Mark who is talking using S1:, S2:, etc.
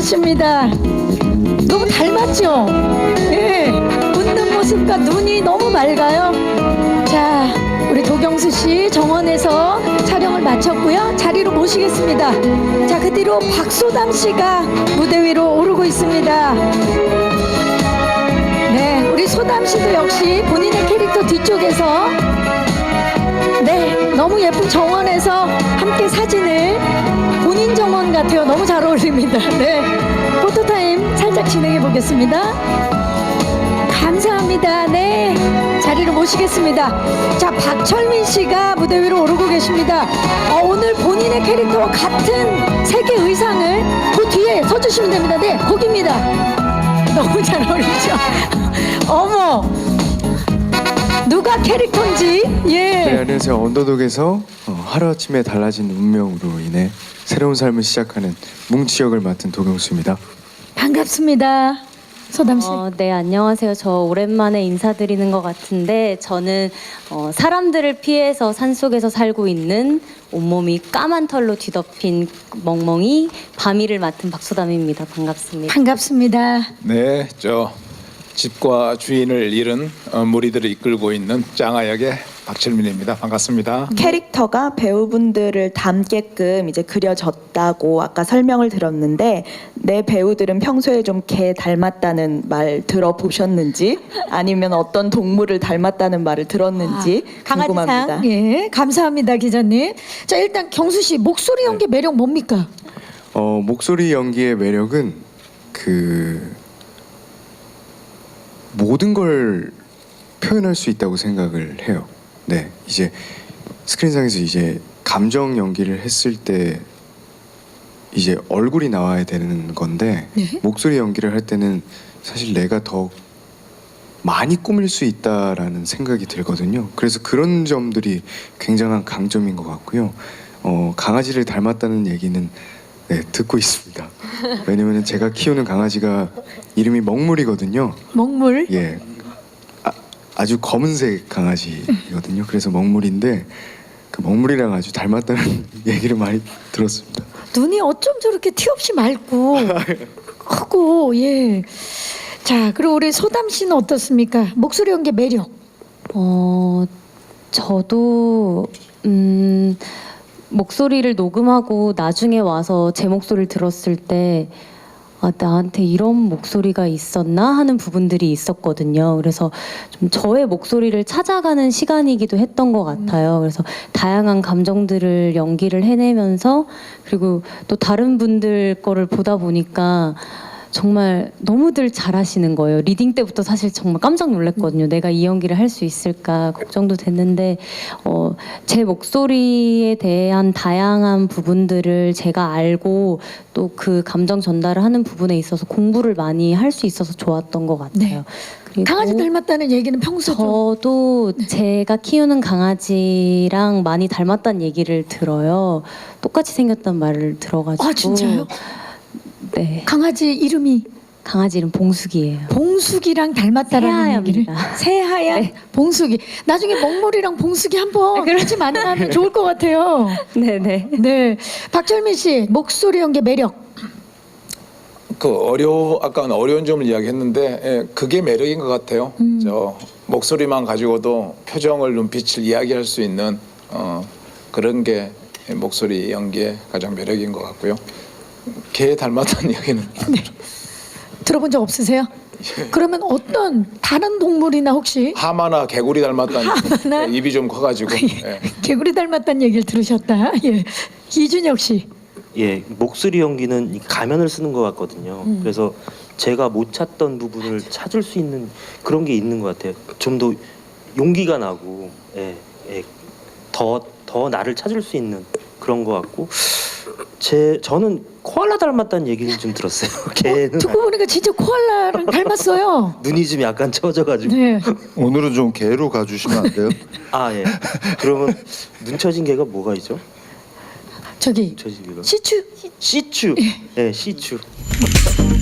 S1: 맞습니다. 너무 닮았죠? 예. 웃는 모습과 눈이 너무 맑아요. 자, 우리 도경수 씨 정원에서 촬영을 마쳤고요. 자리로 모시겠습니다. 자, 그 뒤로 박소담 씨가 무대 위로 오르고 있습니다. 네, 우리 소담 씨도 역시 본인의 캐릭터 뒤쪽에서 네, 너무 예쁜 정원에서 함께 사진을 본인 정원 같아요. 너무 잘 어울립니다. 네, 포토타임 살짝 진행해 보겠습니다. 감사합니다. 네, 자리로 모시겠습니다. 자, 박철민 씨가 무대 위로 오르고 계십니다. 오늘 본인의 캐릭터와 같은 색의 의상을 그 뒤에 서주시면 됩니다. 네, 거기입니다. 너무 잘 어울리죠? 어머, 누가 캐릭터인지. 예.
S2: 네, 안녕하세요. 언더독에서 하루아침에 달라진 운명으로 인해 새로운 삶을 시작하는 뭉치 역을 맡은 도경수입니다.
S1: 반갑습니다. 소담 씨.
S3: 네, 안녕하세요. 저 오랜만에 인사드리는 것 같은데 저는 사람들을 피해서 산속에서 살고 있는 온몸이 까만 털로 뒤덮인 멍멍이 바미를 맡은 박소담입니다. 반갑습니다.
S1: 반갑습니다.
S4: 네, 저 집과 주인을 잃은 무리들을 이끌고 있는 짱아 역의 박철민입니다. 반갑습니다.
S5: 캐릭터가 배우분들을 닮게끔 이제 그려졌다고 아까 설명을 들었는데 내 배우들은 평소에 좀 개 닮았다는 말 들어보셨는지 아니면 어떤 동물을 닮았다는 말을 들었는지 궁금합니다.
S1: 강아지상. 예, 감사합니다, 기자님. 자, 일단 경수 씨 목소리 연기 매력 뭡니까?
S2: 목소리 연기의 매력은 그 모든 걸 표현할 수 있다고 생각을 해요. 네, 이제 스크린상에서 이제 감정 연기를 했을 때 이제 얼굴이 나와야 되는 건데
S1: 네.
S2: 목소리 연기를 할 때는 사실 내가 더 많이 꾸밀 수 있다라는 생각이 들거든요. 그래서 그런 점들이 굉장한 강점인 것 같고요. 강아지를 닮았다는 얘기는 네, 듣고 있습니다. 왜냐면 제가 키우는 강아지가 이름이 먹물이거든요.
S1: 먹물.
S2: 예, 아주 검은색 강아지거든요. 그래서 먹물인데 그 먹물이랑 아주 닮았다는 얘기를 많이 들었습니다.
S1: 눈이 어쩜 저렇게 티 없이 맑고 크고. 예. 자, 그리고 우리 소담 씨는 어떻습니까? 목소리 연기 매력.
S3: 저도 목소리를 녹음하고 나중에 와서 제 목소리를 들었을 때 나한테 이런 목소리가 있었나 하는 부분들이 있었거든요. 그래서 좀 저의 목소리를 찾아가는 시간이기도 했던 것 같아요. 그래서 다양한 감정들을 연기를 해내면서 그리고 또 다른 분들 거를 보다 보니까 정말 너무들 잘하시는 거예요. 리딩 때부터 사실 정말 깜짝 놀랐거든요. 내가 이 연기를 할 수 있을까 걱정도 됐는데 제 목소리에 대한 다양한 부분들을 제가 알고 또 그 감정 전달을 하는 부분에 있어서 공부를 많이 할 수 있어서 좋았던 것 같아요.
S1: 네.
S3: 그리고
S1: 강아지 닮았다는 얘기는 평소 좀.
S3: 저도 제가 키우는 강아지랑 많이 닮았다는 얘기를 들어요. 똑같이 생겼다는 말을 들어가지고.
S1: 아, 진짜요?
S3: 네.
S1: 강아지 이름이
S3: 강아지 이름 봉숙이에요.
S1: 봉숙이랑 닮았다라는 얘기를.
S3: 새하얀입니다.
S1: 새하얀
S3: 네.
S1: 봉숙이. 나중에 먹물이랑 봉숙이 한번
S3: 그럼-
S1: 같이 만나면 좋을 것 같아요.
S3: 네네.
S1: 네, 박철민 씨 목소리 연기 매력.
S4: 아까 어려운 점을 이야기했는데 예, 그게 매력인 것 같아요. 저 목소리만 가지고도 표정을 눈빛을 이야기할 수 있는 그런 게 목소리 연기의 가장 매력인 것 같고요. 개 닮았다는 이야기는
S1: 들어본 적 없으세요? 그러면 어떤 다른 동물이나 혹시
S4: 하마나 개구리 닮았다는
S1: 하마나?
S4: 입이 좀 커가지고 예.
S1: 개구리 닮았다는 얘기를 들으셨다. 예, 이준혁 씨.
S6: 예, 목소리 연기는 이 가면을 쓰는 것 같거든요. 그래서 제가 못 찾던 부분을 찾을 수 있는 그런 게 있는 것 같아요. 좀 더 용기가 나고, 더 나를 찾을 수 있는 그런 것 같고, 저는 코알라 닮았다는 얘기는 좀 들었어요. 걔는
S1: 듣고 보니까 진짜 코알라랑 닮았어요.
S6: 눈이 좀 약간 처져가지고.
S1: 네.
S7: 오늘은 좀 개로 가주시면 안 돼요?
S6: 아 예. 그러면 눈 처진 개가 뭐가 있죠?
S1: 저기
S6: 처진 개가
S1: 시추.
S6: 시추. 예, 시추.